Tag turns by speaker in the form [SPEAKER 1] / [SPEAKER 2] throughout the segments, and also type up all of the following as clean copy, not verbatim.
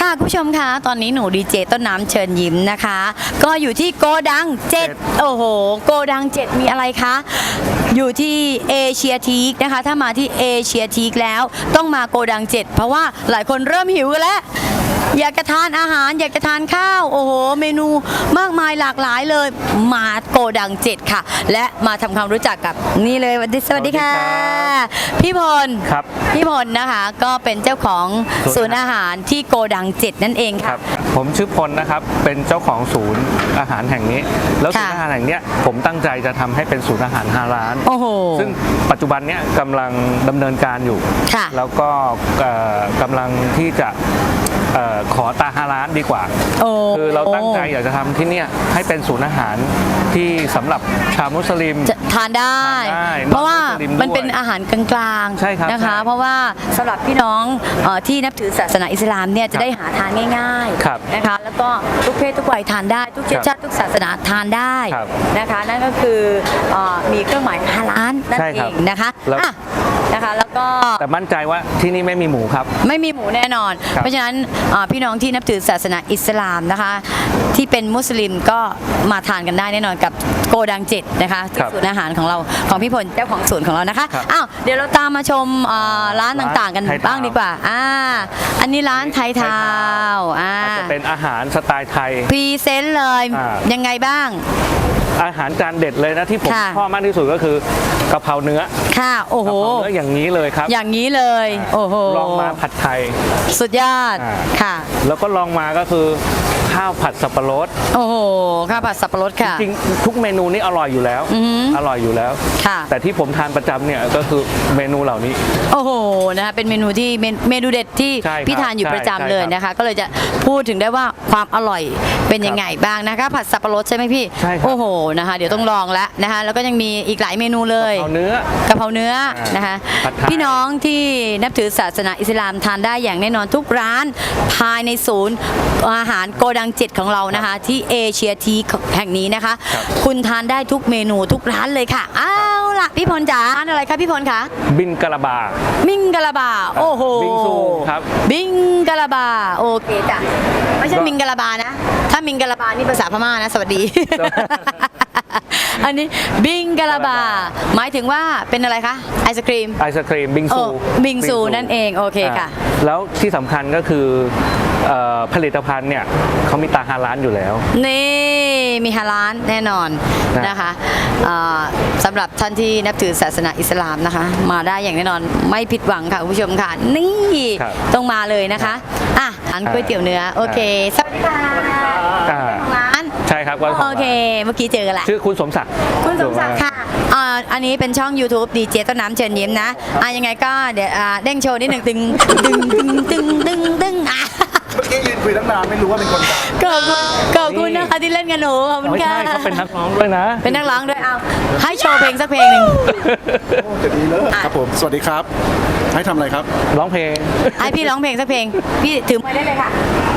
[SPEAKER 1] ค่ะคุณผู้ชมคะตอนนี้หนูดีเจต้นน้ำเชิญยิ้มนะคะก็อยู่ที่โกดัง7โอ้โหโกดัง7มีอะไรคะอยู่ที่เอเชียทีคนะคะถ้ามาที่เอเชียทีคแล้วต้องมาโกดัง7เพราะว่าหลายคนเริ่มหิวกันแล้วอยากจะทานอาหารอยากจะทานข้าวโอ้โหเมนูมากมายหลากหลายเลยมาโกดัง7ค่ะและมาทำความรู้จักกับนี่เลยสวัสดีค่ะพี่พล
[SPEAKER 2] ครับ
[SPEAKER 1] พี่พลนะคะก็เป็นเจ้าของศูนย์อาหารที่โกดัง7นั่นเองค่ะ
[SPEAKER 2] ผมชื่อพลนะครับเป็นเจ้าของศูนย์อาหารแห่งนี้แล้วศูนย์อาหารแห่งนี้ผมตั้งใจจะทำให้เป็นศูนย์อาหารฮาลาลซึ่งปัจจุบันเนี้ยกำลังดำเนินการอยู่แล้วก็กำลังที่จะขอตาฮาลาลดีกว่าคือเราตั้งใจอยากจะทำที่นี่ให้เป็นศูนย์อาหารที่สำหรับชาวมุสลิม
[SPEAKER 1] ทานได้เพราะว่ามันเป็นอาหารกลางๆนะคะเพราะว่าสำหรับพี่น้องที่นับถือศาสนาอิสลามเนี่ยจะได้หาทานง่ายๆนะคะแล้วก็ทุกเพศทุกวัยทานได้ทุกเชื้อชาติทุกศาสนาทานได้นะคะนั่นก็คือมีเครื่องหมายฮาลาลนั่นเองนะคะแล้วก็
[SPEAKER 2] แต่มั่นใจว่าที่นี่ไม่มีหมูครับ
[SPEAKER 1] ไม่มีหมูแน่นอนเพราะฉะนั้นพี่น้องที่นับถือศาสนาอิสลามนะคะที่เป็นมุสลิมก็มาทานกันได้แน่นอนกับโกดัง7นะคะที่ศูนย์อาหารของเราของพี่พลเจ้าของศูนย์ของเรานะคะอ้าวเดี๋ยวเราตามมาชมร้านต่างๆกันบ้างดีกว่าอันนี้ร้านไทยทาว
[SPEAKER 2] จะเป็นอาหารสไตล์ไทย
[SPEAKER 1] พรีเซนต์เลยยังไงบ้าง
[SPEAKER 2] อาหารจานเด็ดเลยนะที่ผมชอบมากที่สุดก็คือกะเพราเนื้อ
[SPEAKER 1] ค่ะโอ้โห
[SPEAKER 2] กะเพราเนื้ออย่างนี้เลยครับ
[SPEAKER 1] อย่างนี้เลยโอ้โห
[SPEAKER 2] ลองมาผัดไทย
[SPEAKER 1] สุดยอดค่ะ
[SPEAKER 2] แล้วก็ลองมาก็คือข้าวผัดสับปะรด
[SPEAKER 1] โอ้โหข้าวผัดสับปะรดค่ะ
[SPEAKER 2] จริงทุกเมนูนี้อร่อยอยู่แล้วอร่อยอยู่แล้ว
[SPEAKER 1] ค่ะ
[SPEAKER 2] แต่ที่ผมทานประจำเนี่ยก็คือเมนูเหล่านี้
[SPEAKER 1] โอ้โหนะคะเป็นเมนูที่เมนูเด็ดที่พี่ทานอยู่ประจำเลยนะคะก็เลยจะพูดถึงได้ว่าความอร่อยเป็นยังไงบ้างนะคะผัดสับปะรดใช่ไหมพี่โอ้โหนะคะเดี๋ยวต้องลองแล้วนะคะแล้วก็ยังมีอีกหลายเมนูเลย
[SPEAKER 2] กะเพราเนื้อ
[SPEAKER 1] นะคะพี่น้องที่นับถือศาสนาอิสลามทานได้อย่างแน่นอนทุกร้านภายในศูนย์อาหารโกดัง7ของเรานะคะที่เอเชียทีแห่งนี้นะคะคุณทานได้ทุกเมนูทุกร้านเลยค่ะเอาล่ะพี่พลจ๋าร้านอะไรคะพี่พลคะ
[SPEAKER 2] บิงกะลาบา
[SPEAKER 1] บิงกะลาบาโอ้โห
[SPEAKER 2] บิงซูครับ
[SPEAKER 1] บิงกะลาบาโอเคจ้ะไม่ใช่บิงกะลาบานะถ้าบิงกะลาบานี่ภาษาพม่านะสวัสดีอันนี้บิงกะลาบาหมายถึงว่าเป็นอะไรคะไอศครีม
[SPEAKER 2] บิง
[SPEAKER 1] ซูนั่นเองโอเคค่ะ
[SPEAKER 2] แล้วที่สำคัญก็คือผลิตภัณฑ์เนี่ยเขามีตาฮาลาลอยู่แล้ว
[SPEAKER 1] นี่มีฮาลาลแน่นอนนะคะสำหรับท่านที่นับถือศาสนาอิสลามนะคะมาได้อย่างแน่นอนไม่ผิดหวังค่ะคุณผู้ชมค่ะนี่ต้องมาเลยนะคะร้านก๋วยเตี๋ยวเนื้อโอเคสวัสดีค่ะร้าน
[SPEAKER 2] ใช่ครับ
[SPEAKER 1] โอเคเมื่อกี้เจอกันแหละ
[SPEAKER 2] ชื่อคุณสมศักดิ์
[SPEAKER 1] ค่ะอันนี้เป็นช่อง YouTube ดีเจต้นน้ำเชิญยิ้มนะยังไงก็เดี๋ยวเด้งโชว์นิดหนึ่งตึงเ
[SPEAKER 3] มื่อกี้ยืนคุยตั้งนานไม่รู้ว่าเป็นคน
[SPEAKER 1] ขอบคุณนะคะที่เล่นกันหนูขอบคุณค่ะ
[SPEAKER 2] เขาเป็นนักร้องด้วยนะ
[SPEAKER 1] เป็นนักร้องด้วยเอาให้โชว์เพลงสักเพลงหนึ่ง
[SPEAKER 3] จะดีเลยครับผมสวัสดีครับให้ทำอะไรครับ
[SPEAKER 2] ร้องเพลง
[SPEAKER 1] ให้พี่ร้องเพลงสักเพลงพี่ถือไมค์ได้เลยค่ะ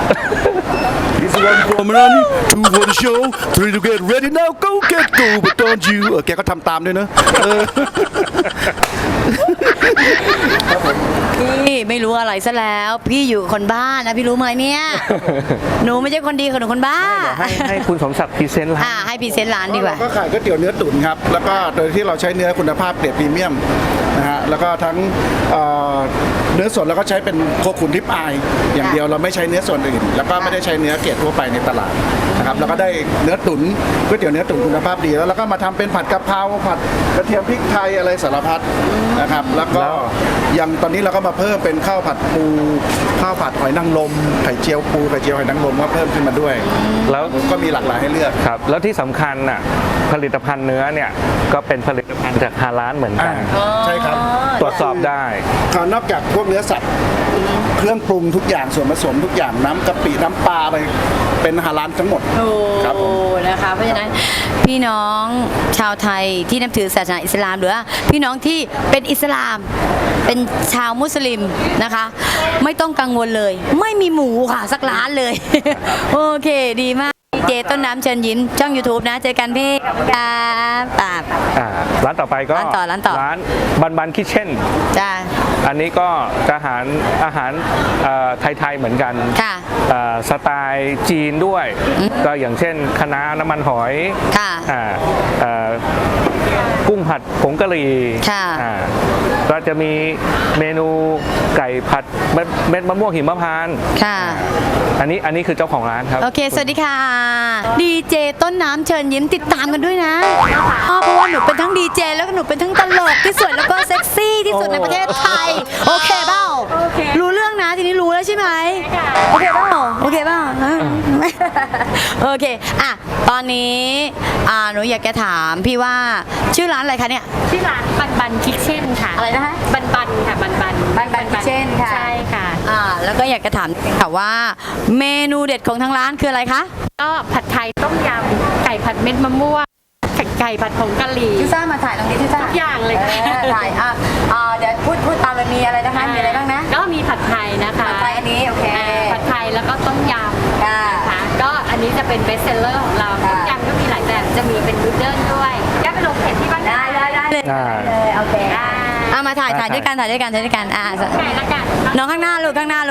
[SPEAKER 3] This one for money, two for the show, three to get ready now, go get go, but don't you แกก็ทำตามด้วยเนอะ
[SPEAKER 1] พี่ไม่รู้อะไรซะแล้วพี่อยู่คนบ้านนะพี่รู้ไหมเนี่ยหนูไม่ใช่คนดีหนูคนบ้า
[SPEAKER 2] ให้คุณสมศักดิ์พรีเซนต์ร้าน
[SPEAKER 1] ให้พรีเซนต์ร้านดีกว่า
[SPEAKER 3] ก็ขายก๋วยเตี๋ยวเนื้อตุ๋นครับแล้วก็โดยที่เราใช้เนื้อคุณภาพเกรดพรีเมียมนะฮะแล้วก็ทั้งเนื้อสดแล้วก็ใช้เป็นโคขุนทิพอายอย่างเดียวเราไม่ใช้เนื้อส่วนอื่นแล้วก็ไม่ได้ใช้เนื้อเกรดทั่วไปในตลาดนะครับแล้วก็ได้เนื้อตุ๋นก๋วยเตี๋ยวเนื้อตุ๋นคุณภาพดีแล้วก็มาทำเป็นผัดกะเพราผัดกระเทียมพริกไทยอะไรสารพัดนะครับแล้วก็อย่างตอนนี้เราก็มาเพิ่มเป็นข้าวผัดปูข้าวผัดหอยนางรมไข่เจียวปูไข่เจียวหอยนางรมก็เพิ่มขึ้นมาด้วยแล้วก็มีหลากหลายให้เลือก
[SPEAKER 2] ครับแล้วที่สำคัญน่ะผลิตภัณฑ์เนื้อเนี่ยก็เป็นผลิตภัณฑ์จากฮาลาลเหมือนกัน
[SPEAKER 3] ใช่ครับ
[SPEAKER 2] ตรวจสอบได้
[SPEAKER 3] นอกจากพวกเนื้อสัตว์เครื่องปรุงทุกอย่างส่วนผสมทุกอย่างน้ำกะปิน้ำปลาอะไรเป็นฮาลาลทั้งหมด
[SPEAKER 1] ครับนะคะเพราะฉะนั้นพี่น้องชาวไทยที่นับถือศาสนาอิสลามหรือว่าพี่น้องที่เป็นอิสลามเป็นชาวมุสลิมนะคะไม่ต้องกังวลเลยไม่มีหมูค่ะสักร้านเลยโอเคดีมากดีเจต้นน้ำเชิญยิ้มช่อง YouTube นะเจอกันพี่ครับป่า
[SPEAKER 2] ร้านต่อไปก็
[SPEAKER 1] ร้านต่อ
[SPEAKER 2] ร้านบันบันคิทเช่น
[SPEAKER 1] จ้า
[SPEAKER 2] อันนี้ก็จะอาหารไทยๆเหมือนกัน
[SPEAKER 1] ค่ะ
[SPEAKER 2] สไตล์จีนด้วย ก็อย่างเช่นคะน้าน้ำมันหอย
[SPEAKER 1] ค่ะ
[SPEAKER 2] กุ้งผัดผงกะหรี่
[SPEAKER 1] ค่ะ
[SPEAKER 2] ก็จะมีเมนูไก่ผัดเม็ดมะม่วงหิมพานต์
[SPEAKER 1] ค่ะ
[SPEAKER 2] อันนี้คือเจ้าของร้านครับ
[SPEAKER 1] โอเค สวัสดีค่ะ ดีเจต้นน้ำเชิญยิ้มติดตามกันด้วยนะเพราะว่าหนูเป็นทั้งดีเจแล้วก็หนูเป็นทั้งตลกที่สวยแล้วก็เซ็กซี่ที่สุดในประเทศไทย โอเคเปล่ารู้เรื่องนะทีนี้รู้แล้วใช่ไหมโอเคเปล่าโอเคเปล่าโอเคอ่ะตอนนี้หนูอยากจะถามพี่ว่าชื่อร้านอะไรคะเนี่ย
[SPEAKER 4] ชื่อร้านบันบันคิทเช่นค่ะ
[SPEAKER 1] อะไรนะคะ
[SPEAKER 4] บันบันค่ะบันบัน
[SPEAKER 1] บันKitchen ค่ะ
[SPEAKER 4] ใช่ค่ะ
[SPEAKER 1] แล้วก็อยากจะถามค่ะว่าเมนูเด็ดของทางร้านคืออะไรคะ
[SPEAKER 4] ก็ผัดไทยต้มยำไก่ผัดเม็ดมะม่วงไก่ผัดผงกะหรี่
[SPEAKER 1] ทิซ่ามาถ่ายตรงนี้ทิซ่า
[SPEAKER 4] ทุกอย่างเลยค่ะ
[SPEAKER 1] ถ่ายเดี๋ยวพูดตามเลยมีอะไรนะคะมีอะไรบ้างนะ
[SPEAKER 4] ก็มีผัดไทยนะคะ
[SPEAKER 1] ผัดไทยอันนี้โอเค
[SPEAKER 4] ผัดไทยแล้วก็ต้มยำ
[SPEAKER 1] ค่ะ
[SPEAKER 4] นะคะก็อันนี้จะเป็นเบสเซลเลอร์ของเรา
[SPEAKER 1] ค่ะ
[SPEAKER 4] ต้มยำก็มีหลายแบบจะมีเป็นนูเดิลด้วยก็ไปลงเพจที่บ้าน
[SPEAKER 1] ได้เลย
[SPEAKER 2] อ่า
[SPEAKER 1] เลยโอเค
[SPEAKER 4] อ่า
[SPEAKER 1] มาถ่ายด้วยกันถ่ายด้วยกัน
[SPEAKER 4] ไก่ละกัน
[SPEAKER 1] น้องข้างหน้าลูกข้างหน้า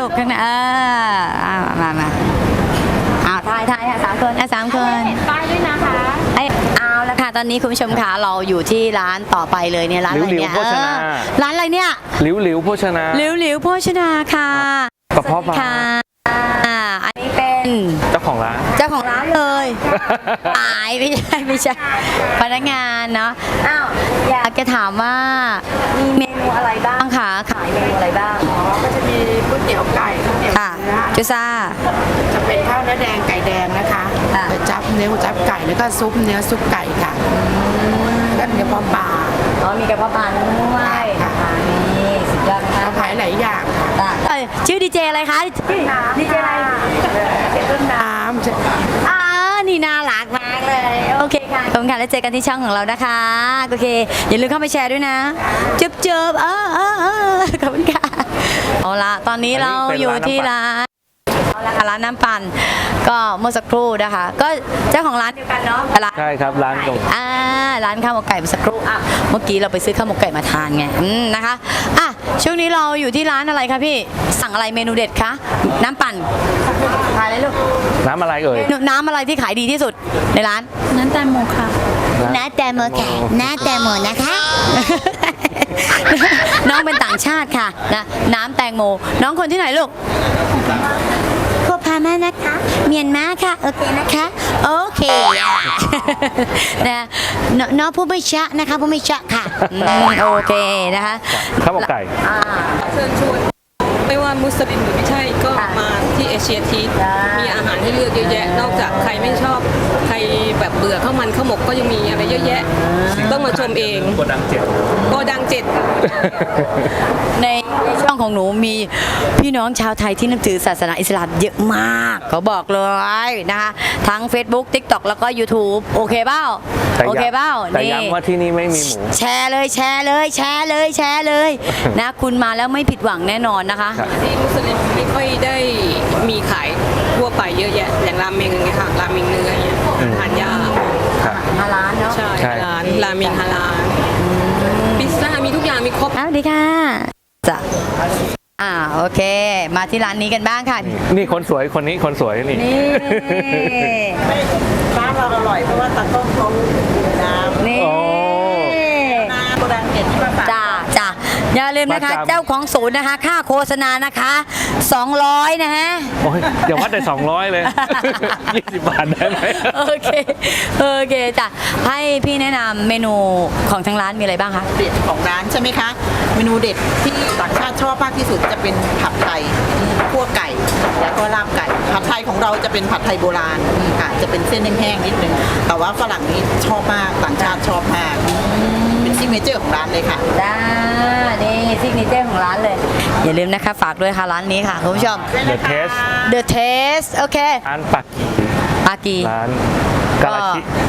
[SPEAKER 1] มาถ่ายค่ะ3 คน3 คน
[SPEAKER 4] เห็นป้ายด้วยนะคะ
[SPEAKER 1] เอาละค่ะตอนนี้คุณผู้ชมค่ะเราอยู่ที่ร้านต่อไปเลยเนี่ยร้านอะไรเนี่ย
[SPEAKER 2] หลิวๆโภชนา
[SPEAKER 1] ร้านอะไรเนี่ย
[SPEAKER 2] หลิวโภชนา
[SPEAKER 1] หลิวโภชนาค่ะ
[SPEAKER 2] กระเพาะปลา
[SPEAKER 1] ค่ะอันนี้เป็น
[SPEAKER 2] เจ้าของร้าน
[SPEAKER 1] เจ้าของร้านเลยตายไม่ใช่พนักงานเนาะอ้าวอยากจะถามว่ามีเมนูอะไรบ้างคะขายเมนูอะไรบ้าง
[SPEAKER 5] ก็จะมีก๋วยเตี๋ยวไก่ก๋วยเตี๋ยว
[SPEAKER 1] ค่ะ
[SPEAKER 5] เนื้อ
[SPEAKER 1] จุซ่า
[SPEAKER 5] จะเป็นข้าวเนื้อแดงไก่แดงนะคะ
[SPEAKER 1] ค่ะ
[SPEAKER 5] ก๋วยจั๊บเนื้อก๋วยจั๊บไก่แล้วก็ซุปเนื้อซุปไก่ค่ะก็เนื้อปลาปลา
[SPEAKER 1] มีกระเพาะปลาด้วยนะคะนี่สุดยอดนะคะ
[SPEAKER 5] เราขายหลายอย่างค่ะ
[SPEAKER 1] ชื่อดีเจอะไรคะดีเจอะไร
[SPEAKER 5] ต้นน้ำจะ
[SPEAKER 1] นี่น่ารักมากเลยโอเคค่ะขอบคุณค่ะแล้วเจอกันที่ช่องของเรานะคะโอเคอย่าลืมเข้าไปแชร์ด้วยนะเจิบขอบคุณค่ะเอาละตอนนี้เราอยู่ที่ร้านร้านน้ำปั่นก็เมื่อสักครู่นะคะก็เจ้าของร้านเดียวกันเนาะร้าน
[SPEAKER 2] ใช่ครับร้านตรง
[SPEAKER 1] ร้านข้าวหมกไก่เมื่อสักครู่เมื่อกี้เราไปซื้อข้าวหมกไก่มาทานไงนะคะช่วงนี้เราอยู่ที่ร้านอะไรคะพี่สั่งอะไรเมนูเด็ดคะน้ำปั่นทานเลยลูก
[SPEAKER 2] น้ำอะไรเอ่ย
[SPEAKER 1] น้ำอะไรที่ขายดีที่สุดในร้าน
[SPEAKER 4] น้ำแตงโมค่ะ
[SPEAKER 1] น้ำแตงโมค่ะน้ำแตงโมนะคะ น้องเป็นต่างชาติค่ะนะน้ำแตงโมน้องคนที่ไหนลูกโคพามานะคะเมียนมาค่ะโอเคนะคะโอเคนะน้องผู้ไม่ชะนะคะผู้ไม่ชะค่ะโอเคนะคะ
[SPEAKER 2] ข้าวหมกไก่
[SPEAKER 6] เชิญชวนไม่ว่ามุสลิมหรือไม่ใช่ก็
[SPEAKER 1] ค่ะ
[SPEAKER 6] มาที่เอเชียที
[SPEAKER 1] ได้
[SPEAKER 6] มีอาหารให้เลือกเยอะแยะ นอกจากใครไม่ชอบใครแบบเบื่อข้าวมันข้าวหมกก็ยังมีอะไรเยอะแยะ ต้องมาชมเอง
[SPEAKER 2] โกดังเจ็ด
[SPEAKER 6] โกดังเจ็ด
[SPEAKER 1] ในช่องของหนูมีพี่น้องชาวไทยที่นับถือศาสนาอิสลามเยอะมากเขาบอกเลยนะคะทั้ง Facebook TikTok แล้วก็ YouTube โอเคเปล่า
[SPEAKER 2] แต่
[SPEAKER 1] โอเคเปล่า
[SPEAKER 2] แต่ย้ำว่าที่นี่ไม่มีหมู
[SPEAKER 1] แชร์เลยนะคุณมาแล้วไม่ผิดหวังแน่นอนนะคะ
[SPEAKER 2] ครับ
[SPEAKER 6] ที่มุสลิมไม่ค่อยได้มีขายทั่วไปเยอะแยะ อย่างราเมงอย่างเงี้ยค่ะราเมงเนื้ออย่างเงี้ยทานยาก
[SPEAKER 2] ครับ
[SPEAKER 1] ฮาลาลเนาะ
[SPEAKER 6] ใช่
[SPEAKER 2] ใช่
[SPEAKER 6] ฮาลาลราเมงฮาลาลพิซซ่ามีทุกอย่างมีครบ
[SPEAKER 1] สวัสดีค่ะจ้ะโอเค มาที่ร้านนี้กันบ้างค่ะ
[SPEAKER 2] นี่คนสวยคนนี้คนสวยนี่
[SPEAKER 1] นี่
[SPEAKER 5] ร้านเราอร่อยเพราะว่าตากล้องเขาอยู่น้ำ
[SPEAKER 1] นี่
[SPEAKER 2] โอ้
[SPEAKER 5] น้ำโกดังเจ็ดที่มาฝาก
[SPEAKER 1] จ้าอย่าลืมนะคะ
[SPEAKER 2] ประจำ
[SPEAKER 1] เจ้าของศูนย์นะคะ ค่าโฆษณานะคะ200นะฮะ
[SPEAKER 2] โอ้ยอย่าวัดได้200 เลย 20 บาทได้ไหม
[SPEAKER 1] โอเคจ้ะให้พี่แนะนำเมนูของทางร้านมีอะไรบ้างคะ
[SPEAKER 5] เด็ดของร้านใช่ไหมคะ เมนูเด็ดที่ต่างชาติชอบมากที่สุดจะเป็นผัดไทยคั่วไก่แล้วก็ลาบไก่ผัดไทยของเราจะเป็นผัดไทยโบราณค่ะจะเป็นเส้นแห้งๆนิดนึงแต่ว่าฝรั่งนี่ชอบมากต่างชาติชอบมากเป็นซิกเนเจอร์ของร้านเลยค่ะ
[SPEAKER 1] นี่ซิกเนเจอร์ของร้านเลย อย่าลืมนะคะฝากด้วยค่ะร้านนี้ค่ะคุณผู้ชม
[SPEAKER 2] The Taste
[SPEAKER 1] The Taste โอเค
[SPEAKER 2] ร้านปัก
[SPEAKER 1] ปากี
[SPEAKER 2] ร้านกาลาชิ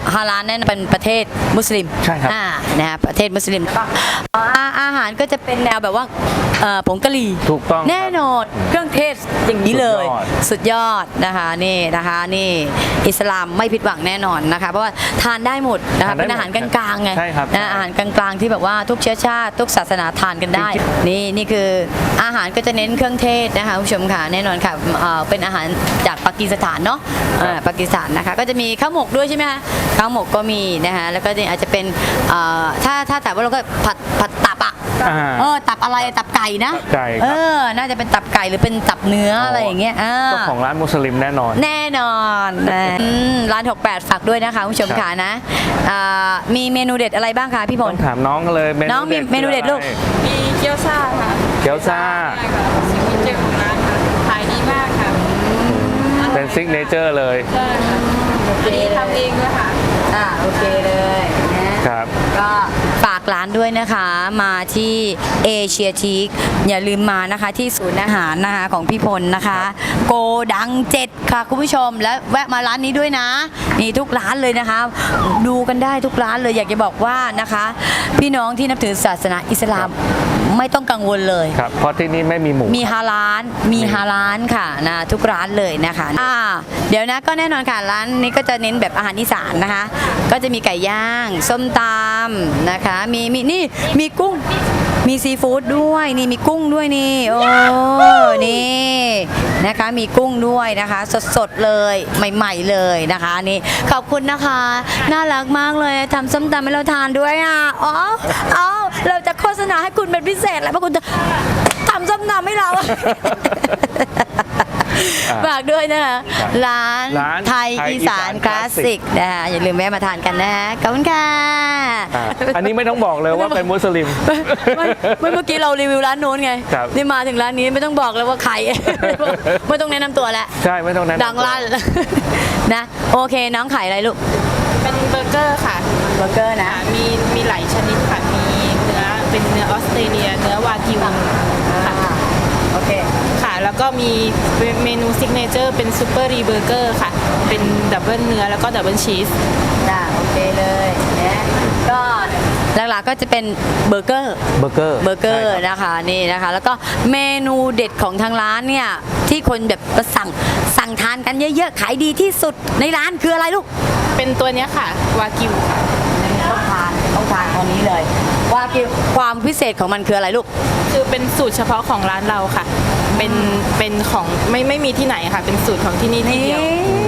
[SPEAKER 1] ฮาลาลแน่นอนเป็นประเทศมุสลิม
[SPEAKER 2] ใช่ครับ
[SPEAKER 1] นะฮะประเทศมุสลิมก็อาหารก็จะเป็นแนวแบบว่าผงกะหรี่
[SPEAKER 2] ถูกต้องครับ
[SPEAKER 1] แน่นอนเครื่องเทศอย่างนี้เลย
[SPEAKER 2] สุดยอด
[SPEAKER 1] สุดยอดนะคะนี่นะคะนี่อิสลามไม่ผิดหวังแน่นอนนะคะเพราะว่าทานได้หมดนะคะ
[SPEAKER 2] ทานได้
[SPEAKER 1] เป็นอาหารกลางๆไง
[SPEAKER 2] ใช่ครับ
[SPEAKER 1] นะอาหารกลางๆที่แบบว่าทุกเชื้อชาติทุกศาสนาทานกันได้ นี่คืออาหารก็จะเน้นเครื่องเทศนะคะคุณผู้ชมค่ะแน่นอนค่ะเป็นอาหารจากปากีสถานเนาะปากีสถานนะคะก็จะมีข้าวหมกด้วยใช่ไหมคะข้าวหมกก็มีนะคะแล้วก็อาจจะเป็นถ้าแต่ว่าเราก็ผัดตับอ่ะ ตับอะไรตับไก่นะ
[SPEAKER 2] ตับไก่ครับ
[SPEAKER 1] น่าจะเป็นตับไก่หรือเป็นตับเนื้ออะไรอย่างเงี้ย
[SPEAKER 2] เจ้าของร้านมุสลิมแน่นอน
[SPEAKER 1] แน่นอนร้าน 68 ฝากด้วยนะคะคุณผู้ชมค่ะนะมีเมนูเด็ดอะไรบ้างคะพี่พ
[SPEAKER 2] ต้
[SPEAKER 1] ล
[SPEAKER 2] องถามน้องกันเลย
[SPEAKER 1] น้องมีเมนูเด็ดลูก
[SPEAKER 6] มีเกี๊ยวซ่าค่ะ
[SPEAKER 2] เกี๊ยวซ่า
[SPEAKER 6] ใช่ค่ะซิกเนเจอร์ของร้านค่ะขายดีมากค่ะ
[SPEAKER 2] เป็นซิกเนเจอร์เลย
[SPEAKER 6] ใช่ค่ะอันนี้ทำเองด้วยค่ะ
[SPEAKER 1] โอเคเลยนะครับ ก็ฝากร้านด้วยนะคะมาที่เอเชียทีคอย่าลืมมานะคะที่ศูนย์อาหารนะคะของพี่พลนะคะ โกดัง 7 ค่ะคุณผู้ชมและแวะมาร้านนี้ด้วยนะนี่ทุกร้านเลยนะคะ ดูกันได้ทุกร้านเลยอยากจะบอกว่านะคะ พี่น้องที่นับถือศาสนาอิสลามไม่ต้องกังวลเลย
[SPEAKER 2] ครับ เพราะที่นี่ไม่มีหมู
[SPEAKER 1] มีฮาลาลค่ะนะทุกร้านเลยนะคะเดี๋ยวนะก็แน่นอนค่ะร้านนี้ก็จะเน้นแบบอาหารอีสานนะคะ ก็จะมีไก่ย่างส้มตำนะคะมีนี่มีกุ้งมีซีฟู้ดด้วยนี่มีกุ้งด้วยนี่โอ้นี่นะคะมีกุ้งด้วยนะคะสดๆเลยใหม่ๆเลยนะคะนี่ขอบคุณนะคะน่ารักมากเลยทำส้มตำให้เราทานด้วยอ่ะเราจะโฆษณาให้คุณเป็นพิเศษแล้วเพราะคุณจะทำส้มตำให้เรา ฝากด้วยนะคะร้านไทยอีสานคลาสสิกนะคะอย่าลืมแวะมาทานกันนะขอบคุณค่ะ
[SPEAKER 2] อันนี้ไม่ต้องบอกเลยว่าเป็นมุสลิม
[SPEAKER 1] เมื่อกี้เรารีวิวร้านนู้นไง
[SPEAKER 2] ครับ
[SPEAKER 1] นี่มาถึงร้านนี้ไม่ต้องบอกเลยว่าใคร ไม่ต้องแนะนำตัวแล้ว
[SPEAKER 2] ใช่ไม่ต้องแนะนำ
[SPEAKER 1] ดังลั่น นะโอเคน้องขายอะไรลูก
[SPEAKER 4] เป็นเบอร์เกอร์ค่ะ
[SPEAKER 1] เบอร์เกอร์นะ
[SPEAKER 4] มีหลายชนิดค่ะ มีเนื้อเป็นเนื้อออสเตรเลีย เนื้อวากิวค่ะ
[SPEAKER 1] โอเค
[SPEAKER 4] ค่ะ แล้วก็มีเมนูซิกเนเจอร์เป็นซูเปอร์รีเบอร์เกอร์ค่ะ เป็นดับเบิลเนื้อแล้วก็ดับเบิลชีส
[SPEAKER 1] โอเคเลยนะก็หลักๆก็จะเป็นเบอร์เกอร์
[SPEAKER 2] เบอร์เกอร์
[SPEAKER 1] ร์
[SPEAKER 2] ใช่ครับ
[SPEAKER 1] นะคะนี่นะคะแล้วก็เมนูเด็ดของทางร้านเนี่ยที่คนแบบมาสั่งทานกันเยอะๆขายดีที่สุดในร้านคืออะไรลูก
[SPEAKER 4] เป็นตัวเนี้ยค่ะ วากิวค่ะ
[SPEAKER 1] ต้องทานตอนนี้เลยว่าความพิเศษของมันคืออะไรลูก
[SPEAKER 4] คือเป็นสูตรเฉพาะของร้านเราค่ะ เป็นของไม่มีที่ไหนค่ะ เป็นสูตรของที่นี่ที่เดียว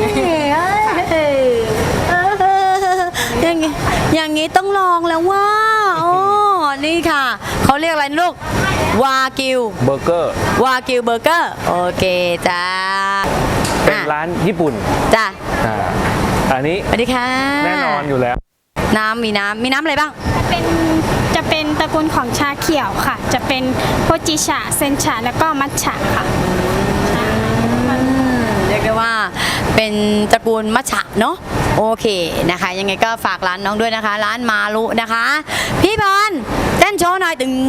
[SPEAKER 1] อย่างนี้ต้องลองแล้วว่าโอ้นี่ค่ะเขาเรียกอะไรลูกวากิว
[SPEAKER 2] เบอร์เกอร์
[SPEAKER 1] เบอร์เกอร์โอเคจ้า
[SPEAKER 2] เป็นร้านญี่ปุ่น
[SPEAKER 1] จ้า
[SPEAKER 2] อันนี้
[SPEAKER 1] สวัสดีค่ะ
[SPEAKER 2] แน่นอนอยู่แล้ว
[SPEAKER 1] มีน้ำอะไรบ้าง
[SPEAKER 7] จะเป็นตระกูลของชาเขียวค่ะ จะเป็นโฮจิชะเซนชะแล้วก็มัทฉะค่ะ
[SPEAKER 1] เรียกได้ว่าเป็นตระกูลมัชฉะเนาะโอเคนะคะยังไงก็ฝากร้านน้องด้วยนะคะ ร้านมารุนะคะ พี่พรเต้นโชว์หน่อยตึง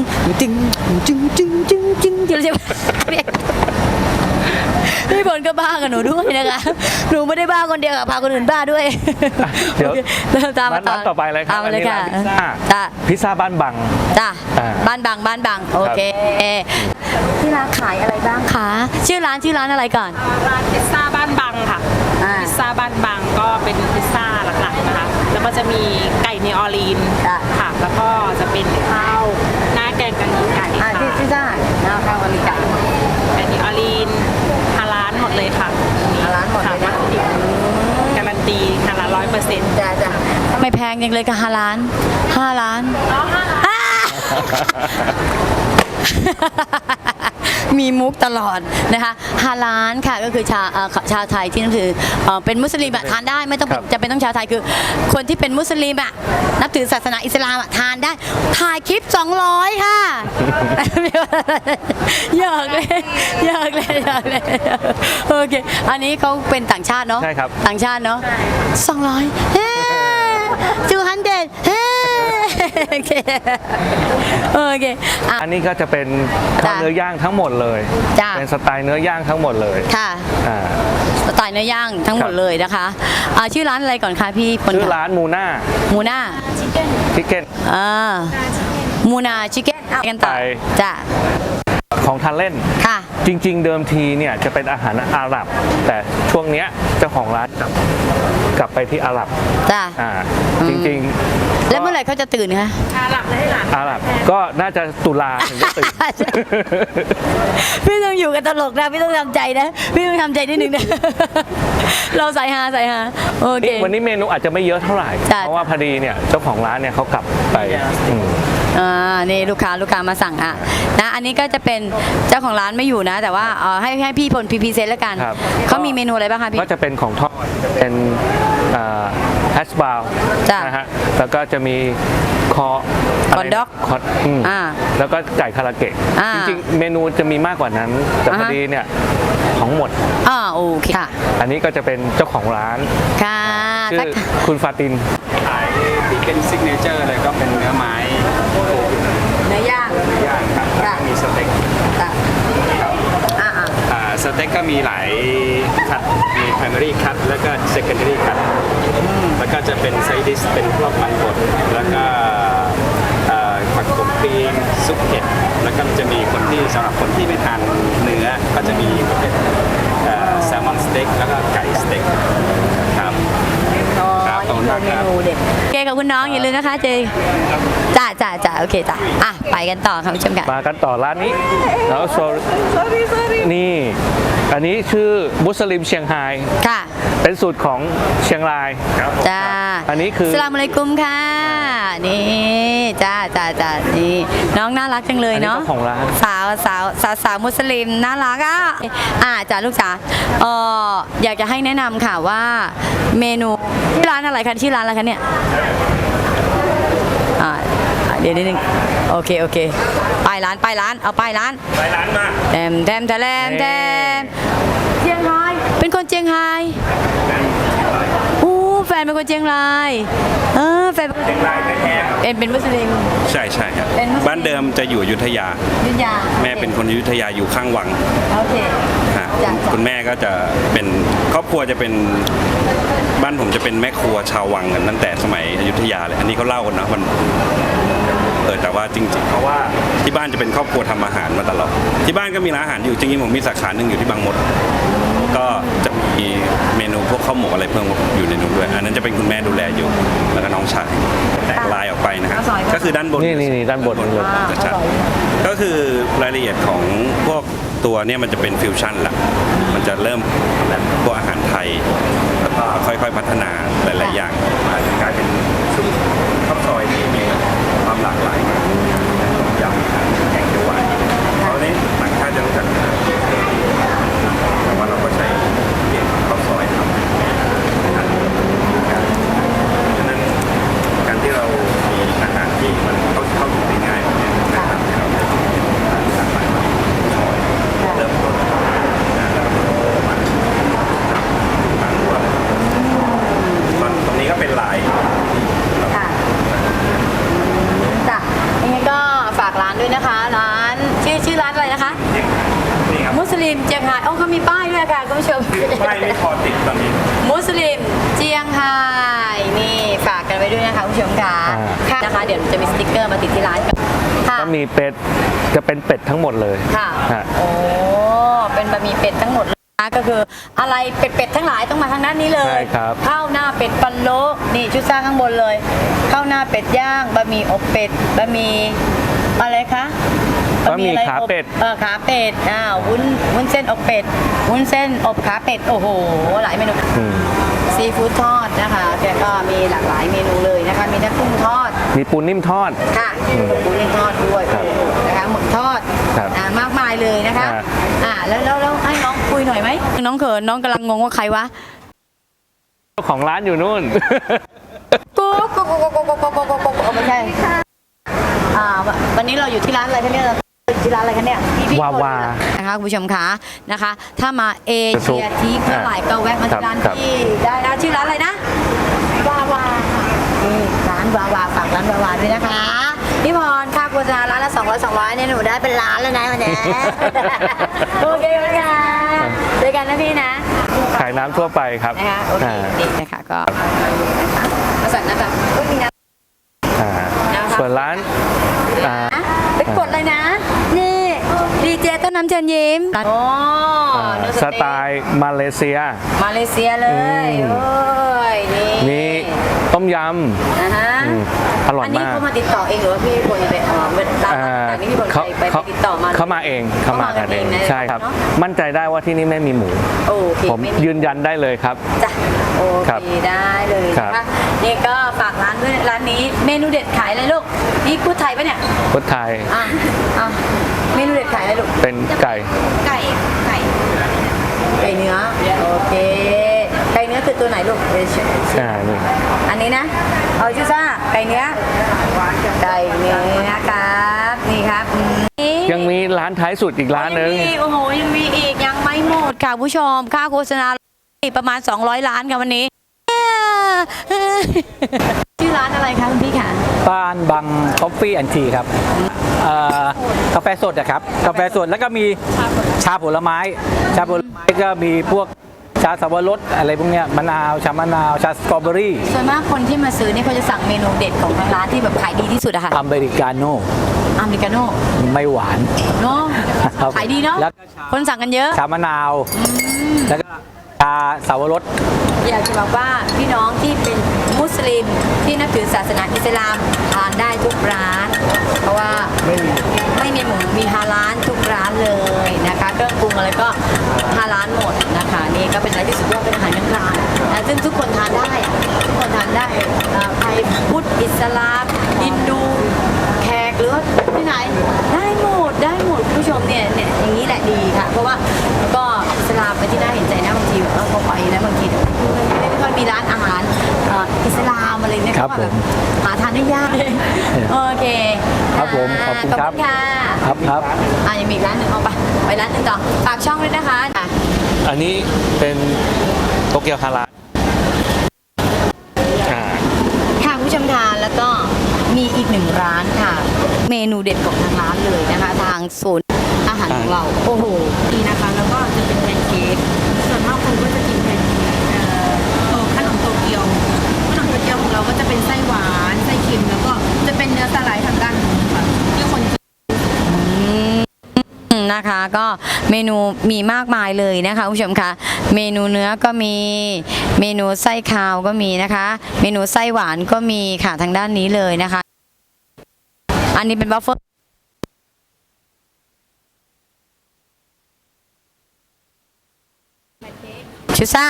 [SPEAKER 1] เดี๋ยวเรียกพี่พลก็บ้ากับหนูด้วยนะคะหนูไม่ได้บ้าคนเดียวค่ะพาคนอื่นบ้าด้วย
[SPEAKER 2] เดี๋ยว
[SPEAKER 1] ตามมา
[SPEAKER 2] ร้านต่อไปเลยครับ
[SPEAKER 1] ตามมาเลยค่ะ
[SPEAKER 2] อันนี้ร้าน
[SPEAKER 1] จ้า
[SPEAKER 2] พิซซ่าบ้านบัง
[SPEAKER 1] จ้า บ้านบางโอเคที่ร้านขายอะไรบ้างคะชื่อร้านอะไรก่อน
[SPEAKER 4] ร้านพิซซ่าบ้านบังค่ะ พิซซ่าบ้านบังก็เป็นพิซซ่าหลักๆนะคะ แล้วก็จะมีไก่เนออร์ลีน
[SPEAKER 1] จ้ะ
[SPEAKER 4] ค่ะ แล้วก็จะเป็นข้าวหน้าแกงกะหรี่ไก่ค่ะ
[SPEAKER 1] ที่จ้าข้าวอริกา
[SPEAKER 4] ไก่เนออร์ลีนฮาลาลหมดเลยค่ะ
[SPEAKER 1] ฮาลาลหมดเลยนะ
[SPEAKER 4] ค่ะการันตีฮาลาล100%
[SPEAKER 1] จ้าไม่แพงยังเลยกับ5 ล้านมีมุกตลอดนะคะฮาลาลค่ะก็คือชาวไทยที่นับถือเป็นมุสลิมอะทานได้ไม่ต้อง
[SPEAKER 2] ครับ
[SPEAKER 1] จะเป็นต้องชาวไทยคือคนที่เป็นมุสลิมอะนับถือศาสนาอิสลามอะทานได้ถ่ายคลิป200ค่ะ อยากเลยโอเคอันนี้เขาเป็นต่างชาติเนาะ
[SPEAKER 2] ใช่ครับ
[SPEAKER 1] ต่างชาติเนาะ200เฮ้200เฮ้โอเคโอเคอ่ะ
[SPEAKER 2] อันนี้ก็จะเป็นข้าว
[SPEAKER 1] จ้ะ
[SPEAKER 2] เนื้อย่างทั้งหมดเลย
[SPEAKER 1] จ้ะ
[SPEAKER 2] เป็นสไตล์เนื้อย่างทั้งหมดเลย
[SPEAKER 1] ค่ะ
[SPEAKER 2] อ่า
[SPEAKER 1] สไตล์เนื้อย่างทั้งหมด
[SPEAKER 2] ครับ
[SPEAKER 1] เลยนะคะชื่อร้านอะไรก่อนคะพี่พล
[SPEAKER 2] ชื่อ
[SPEAKER 1] คะ
[SPEAKER 2] ร้านมูน่า
[SPEAKER 1] มูน่า
[SPEAKER 2] ชิคเก้น
[SPEAKER 1] มูนาชิคเก้นกันต่อ
[SPEAKER 2] ไป
[SPEAKER 1] จ้ะ
[SPEAKER 2] ของทานเล่น
[SPEAKER 1] ค่ะ
[SPEAKER 2] จริงๆ เดิมทีเนี่ยจะเป็นอาหารอาหรับ แต่ช่วงเนี้ยเจ้าของร้านกลับไปที่อาหรับ
[SPEAKER 1] จ้ะ
[SPEAKER 2] จริงๆ
[SPEAKER 1] แล้วเมื่อไหร่เขาจะตื่นคะ
[SPEAKER 2] อาหรับก็น่าจะตุลาถึงจะตื่น
[SPEAKER 1] พี่ต้องอยู่กันตลกนะพี่ต้องทำใจนะพี่ต้องทำใจนิดนึงนะ เราใส่ฮาโอเค
[SPEAKER 2] วันนี้เมนูอาจจะไม่เยอะเท่าไหร่
[SPEAKER 1] จ้ะ
[SPEAKER 2] เพราะว่าพอดีเนี่ยเจ้าของร้านเนี่ยเขากลับไปอืม
[SPEAKER 1] นี่ลูกค้ามาสั่งนะอันนี้ก็จะเป็นเจ้าของร้านไม่อยู่นะ แต่ว่าให้พี่พลพีเซนแล้วกัน
[SPEAKER 2] ครับ
[SPEAKER 1] เขามีเมนูอะไรบ้างคะพี่
[SPEAKER 2] ก็จะเป็นของทอดเป็นแฮชบราวน์
[SPEAKER 1] จ้ะ
[SPEAKER 2] นะฮะแล้วก็จะมีคอ
[SPEAKER 1] คอด็อก
[SPEAKER 2] คอแล้วก็ไก่คาราเกะ
[SPEAKER 1] อ่า
[SPEAKER 2] จริงๆ เมนูจะมีมากกว่านั้น แต่พอดีเนี่ยของหมด
[SPEAKER 1] โอเคค่ะ
[SPEAKER 2] อันนี้ก็จะเป็นเจ้าของร้าน
[SPEAKER 1] ค่ะ
[SPEAKER 2] ชื่อคุณฟาติน
[SPEAKER 8] ขายที่เป็นซิกเนเจอร์เลยก็เป็นเนื้อไม้
[SPEAKER 1] เนื้อย่าง
[SPEAKER 8] ย่างครับ
[SPEAKER 1] ค่ะ
[SPEAKER 8] มีสเต็ก
[SPEAKER 1] ค่ะ
[SPEAKER 8] สเต็กก็มีหลายคัดมี primary cut แล้วก็ secondary cut แล้วก็จะเป็นไซดิสเป็นพวกมันบดแล้วก็ผักกบครีมซุปเห็ดแล้วก็จะมีคนที่สำหรับคนที่ไม่ทานเนื้อก็จะมีเป็นแซลมอนสเต็กแล้วก็ไก่สเต็กครับ ครับขอบคุณมากครับ
[SPEAKER 1] เมนูเด็ดโอเคขอบคุณน้องอย่าลืมนะคะเจจ้าโอเคจ้ะไปกันต่อค่ะผู้ชมค่ะ
[SPEAKER 2] มากันต่อร้านนี้แล้วนี่อันนี้ชื่อมุสลิมเชียงไฮ้
[SPEAKER 1] ค่ะ
[SPEAKER 2] เป็นสูตรของเชียงรายครับ
[SPEAKER 1] จ้า
[SPEAKER 2] อันนี้คือ
[SPEAKER 1] สลามอะลัยกุมค่ะ นี่จ้านี่น้องน่ารักจังเลย
[SPEAKER 2] อันนี้
[SPEAKER 1] เนาะ
[SPEAKER 2] เจ้าของร้าน
[SPEAKER 1] สาวมุสลิมน่ารักจ้าลูกจ๋าอยากจะให้แนะนำค่ะว่าเมนูชื่อร้านอะไรคะชื่อร้านอะไรคะเนี่ยเดี๋ยวนิดนึงโอเคป้ายร้านเอาป้ายร้าน
[SPEAKER 8] ไปร้านมา
[SPEAKER 1] แทมเจียงรายเป็นคนเจียงรายแฟนเป็นคนเชียงรายแฟนเป็นคนเชียงรายเป็นมุสลิม
[SPEAKER 8] ใช่ครับ
[SPEAKER 1] เป็นมุสลิม
[SPEAKER 8] บ้านเดิมจะอยู่อยุธยา
[SPEAKER 1] ยุธยา
[SPEAKER 8] แม่เป็นคนอยุธยาอยู่ข้างวัง
[SPEAKER 1] โอเค
[SPEAKER 8] ฮะ
[SPEAKER 1] จ้ะ
[SPEAKER 8] คุณแม่ก็จะเป็นครอบครัวจะเป็นบ้านผมจะเป็นแม่ครัวชาววังกันตั้งแต่สมัยอยุธยาเลยอันนี้เขาเล่ากันนะมันแต่ว่าจริงๆเพราะว่าที่บ้านจะเป็นครอบครัวทำอาหารมาตลอดที่บ้านก็มีร้านอาหารอยู่จริงๆผมมีสาขาหนึ่งอยู่ที่บางมดก็จะมีเมนูพวกข้าวหมกอะไรเพิ่มอยู่ในนู้นด้วยอันนั้นจะเป็นคุณแม่ดูแลอยู่แล้วก็น้องชายแตกลายออกไปนะฮะก็คือด้านบน
[SPEAKER 2] นี่ด้านบนเลย
[SPEAKER 8] จะชัดก็คือรายละเอียดของพวกตัวเนี่ยมันจะเป็นฟิวชั่นละมันจะเริ่มแบบพวกอาหารไทยแล้วก็ค่อยๆพัฒนาหลายๆอย่างมาจนกลายเป็นซุปข้าวซอยที่มีความหลากหลายมากยำแกงเขียวหวานเพราะนี้ต่างชาติจะรู้จักแต่ว่าเราก็ใช้เกี่ยวกับข้าวซอยทำฉะนั้นการที่เรามีอาหารที่มันเข้าถึงได้ง่ายแบบนี้นะครับเราจะหลากหลายมากเริ่มต้นแล้วก็มาจับบางตัวเลยตรงนี้ก็เป็นลาย
[SPEAKER 1] ค่ะจ้ะยังไงก็ฝากร้านด้วยนะคะ ร้านชื่อร้านอะไรนะคะ
[SPEAKER 8] นี่ครับ
[SPEAKER 1] มุสลิมเจียงไฮ้เขามีป้ายด้วยค่ะคุณผู้ชม
[SPEAKER 8] ป้ายไม่พอติดตอนนี้
[SPEAKER 1] มุสลิมเจียงไฮ้นี่ฝากกันไว้ด้วยนะคะคุณผู้ชมค่ะค่ะนะคะเดี๋ยวจะมีสติ๊กเกอร์มาติดที่ร้านกันค่ะ
[SPEAKER 2] ก็มีเป็ดจะเป็นเป็ดทั้งหมดเลย
[SPEAKER 1] ค่ะ
[SPEAKER 2] ฮะ
[SPEAKER 1] โอ้เป็นบะหมี่เป็ดทั้งหมดเลยนะก็คืออะไรเป็ดทั้งหลายต้องมาทางด้านนี้เลย
[SPEAKER 2] ใช่ครับ
[SPEAKER 1] ข้าวหน้าเป็ดปันโลนี่ชุดสร้างข้างบนเลยข้าวหน้าเป็ดย่างบะหมี่อบเป็ดบะหมี่อะไรคะ
[SPEAKER 2] บะหมี่ขาเป็ด
[SPEAKER 1] ขาเป็ดวุ้นเส้นอบเป็ดวุ้นเส้นอบขาเป็ดโอ้โหหลายเมนู
[SPEAKER 2] อืม
[SPEAKER 1] ซีฟู้ดทอดนะคะแกก็มีหลากหลายเมนูเลยนะคะมีทั้งกุ้งทอด
[SPEAKER 2] มีปูนิ่มทอด
[SPEAKER 1] ค่ะปูนิ่มทอดด้วย
[SPEAKER 2] ครับ
[SPEAKER 1] นะคะหมึกทอด
[SPEAKER 2] ครับ
[SPEAKER 1] มากมายเลยนะคะ
[SPEAKER 2] ครับ
[SPEAKER 1] แล้วให้น้องคุยหน่อยไหมน้องเขินน้องกำลังงงว่าใครวะ
[SPEAKER 2] เจ้าของร้านอยู่นู่น
[SPEAKER 1] กุ๊กไม่ใช่วันนี้เราอยู่ที่ร้านอะไรคะเนี่ยที่ร้านอะไรคะเนี่ยพี่
[SPEAKER 2] วาวา
[SPEAKER 1] นะคะคุณผู้ชมคะนะคะ ถ้ามาเอเชียทีเมื่อไหร่ก็แวะมาที่ร้าน
[SPEAKER 2] ครับ
[SPEAKER 1] ที่ได้นะชื่อร้านอะไรนะวาวาค่ะนี่ร้านวาวาฝากร้านวาวาด้วยนะคะพี่พรค่าโฆษณาร้านละ200เนี่ยหนูได้เป็นล้านแล้วนะวันนี้ โอเคค่ะเจอกันนะพี่นะ
[SPEAKER 2] ขายน้ำทั่วไปครับ
[SPEAKER 1] นะคะโอเคนี่นะคะก็มาสั่งนะคะก็มีนะ
[SPEAKER 2] อ่าส่วนร้านอ่า
[SPEAKER 1] ไปกดเลยนะนี่ดีเจต้นน้ำเชิญยิ้มโอ้
[SPEAKER 2] สไตล์มาเลเซีย
[SPEAKER 1] มาเลเซียเลยโอ้ยนี่
[SPEAKER 2] มีต้มย
[SPEAKER 1] อ่าฮะ
[SPEAKER 2] ำอร่อย
[SPEAKER 1] อันนี้
[SPEAKER 2] มาก
[SPEAKER 1] เขามาติดต่อเองหรือว่าพี่พลไปร้านต่างๆนี่พี่พลไปติดต่อมา
[SPEAKER 2] เขามาเองเขามากันเองใช่ครับ
[SPEAKER 1] เนอะ
[SPEAKER 2] มั่นใจได้ว่าที่นี่ไม่มีหมู
[SPEAKER 1] โอเค
[SPEAKER 2] ผม
[SPEAKER 1] ไม่มี
[SPEAKER 2] ยืนยันได้เลยครับ
[SPEAKER 1] จ้ะโอ
[SPEAKER 2] ครั
[SPEAKER 1] เค
[SPEAKER 2] บ
[SPEAKER 1] ได้เลย
[SPEAKER 2] ครั
[SPEAKER 1] นะ
[SPEAKER 2] บ
[SPEAKER 1] คะนี่ก็ฝากร้านด้วยร้านนี้เมนูเด็ดขายอะไรลูกนี่พูดไทยปะเนี่ย
[SPEAKER 2] พุทธไทย
[SPEAKER 1] อ่ะเมนูเด็ดขายอะไรลูก
[SPEAKER 2] เป็นไก่
[SPEAKER 1] ไก่เนื้อโอเคไก่เนื้อคือตัวไหนลูก
[SPEAKER 2] นี่
[SPEAKER 1] อันนี้นะเอาชื่อซ่าไก่เนื้อครับนี่ครับ
[SPEAKER 2] ยังมีร้านท้ายสุดอีกร้านหนึ่ง
[SPEAKER 1] โอ้โหยังมีอีกยังไม่หมดค่ะผู้ชมค่าโฆษณาประมาณ200 ล้านค่ะวันนี้ ชื่อร้านอะไรคะคุณพี่ค่ะ
[SPEAKER 9] บ้านบางคอฟฟี่แอนด์ทีครับกาแฟสดนะครับกาแฟสดแล้วก็มีชาผลไม้ก็มีพวกชาสับปะรดอะไรพวกเนี้ยมะนาวชามะนาวชาสตรอเบอรี่
[SPEAKER 1] ส่วนมากคนที่มาซื้อนี่เขาจะสั่งเมนูเด็ดของทางร้านที่แบบขายดีที่สุดอะค่ะ
[SPEAKER 9] อเมริกาโน่
[SPEAKER 1] อเมริกาโน่
[SPEAKER 9] ไม่หวาน
[SPEAKER 1] เนาะ
[SPEAKER 9] ครับ
[SPEAKER 1] ขายดีเนาะ
[SPEAKER 9] แล้ว
[SPEAKER 1] คนสั่งกันเยอะ
[SPEAKER 9] ชามะนาวแล้วก็ชาสับปะรด
[SPEAKER 1] อยากจะบอกว่าพี่น้องที่เป็นมุสลิมที่นับถือศาสนาอิสลามทานได้ทุกร้าน เพราะว่าไม่มีหมูมีฮาลาลทุกร้านเลยนะคะเครื่องปรุงอะไรก็ฮาลาลหมดนะคะนี่ก็เป็นอะไรที่สุดยอดเป็นอาหารกลางๆนะซึ่งทุกคนทานได้ทุกคนทานได้ใครพุทธอิสลามฮินดูแขกหรือว่าที่ไหนได้หมดคุณผู้ชมเนี่ยอย่างนี้แหละดีค่ะ เพราะว่าก็อิสลามเป็นที่น่าเห็นใจนะบางทีแบบพอไปนะบางทีไม่ค่อยมีร้านอาหารอิสลามอะไรเนี่ย
[SPEAKER 9] ครับ
[SPEAKER 1] ก็แบบหาทานได้ยากโอเค
[SPEAKER 9] ครับผมขอบคุณครับ
[SPEAKER 1] ค่ะ
[SPEAKER 9] ครับ
[SPEAKER 1] ยังมีอีกร้านหนึ่งเอาไปร้านหนึ่งต่อฝากช่องด้วยนะคะ
[SPEAKER 2] อันนี้เป็นโตเกียวฮาราลอ่า
[SPEAKER 1] ค่ะคุณผู้ชมทานแล้วก็มีอีกหนึ่งร้านค่ะ เมนูเด็ดของทางร้านเลยนะคะ ทางศูนย์อาหารของเราโอ้โหดีนะคะแล้วก็จะเป็นแพนเค้กส่วนมากคนก็จะกินแพนเค้กขนมโตเกียวของเราก็จะเป็นไส้หวานไส้เค็มแล้วก็จะเป็นเนื้อสไลด์ทางด้านนู้นค่ะที่คนนะคะก็เมนูมีมากมายเลยนะคะคุณผู้ชมคะเมนูเนื้อก็มีเมนูไส้คาวก็มีนะคะ เมนูไส้หวานก็มีค่ะทางด้านนี้เลยนะคะ อันนี้เป็นบัฟเฟอร์ชูซ่า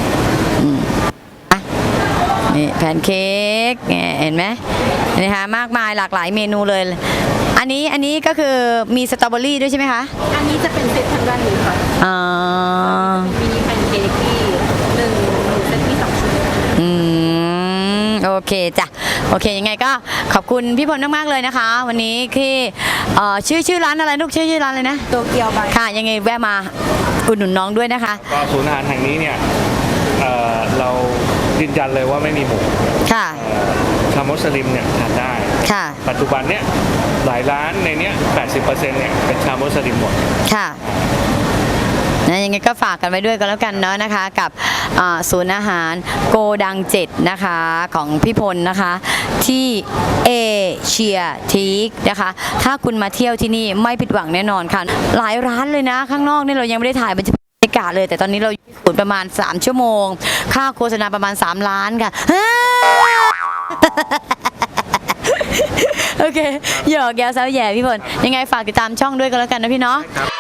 [SPEAKER 1] นี่แพนเค้กเห็นไหมนะคะมากมายหลากหลายเมนูเลย อันนี้ก็คือมีสตรอเบอรี่ด้วยใช่ไหมคะ
[SPEAKER 6] อันนี้จะเป็นเซตทางด้านนี้ค่ะ
[SPEAKER 1] อ๋อ
[SPEAKER 6] มินิแพนเค้กที่หนึ่งเซตมี2 ชุด
[SPEAKER 1] โอเคจ้ะโอเคยังไงก็ขอบคุณพี่พลมากๆเลยนะคะ วันนี้ที่ชื่อร้านอะไรลูกชื่อร้านเลยนะ
[SPEAKER 6] โตเกียวบาย
[SPEAKER 1] ค่ะยังไงแวะมาอุดหนุนน้องด้วยนะคะ
[SPEAKER 2] ก็ศูนย์อาหารแห่งนี้เนี่ยเรายืนยันเลยว่าไม่มีหมู
[SPEAKER 1] ค่ะ
[SPEAKER 2] ชาวมุสลิมเนี่ยทานได้
[SPEAKER 1] ค่ะ
[SPEAKER 2] ปัจจุบันเนี่ยหลายร้านในเนี้ย 80% เนี่ยเป็นชาวมุสลิมหมด
[SPEAKER 1] ค่ะนะยังไงก็ฝากกันไว้ด้วยกันแล้วกันเนาะนะคะกับศูนย์อาหารโกดัง7นะคะของพี่พลนะคะที่เอเชียทีกนะคะถ้าคุณมาเที่ยวที่นี่ไม่ผิดหวังแน่นอนค่ะหลายร้านเลยนะข้างนอกนี่เรายังไม่ได้ถ่ายบรรยากาศเลยแต่ตอนนี้เราอยู่ศูนย์ประมาณ3 ชั่วโมงค่าโฆษณาประมาณ3 ล้านค่ะ โอเคหยอกแย้วแซวแย่พี่พลยังไงฝากติดตามช่องด้วยกันแล้วกันนะพี่เนาะ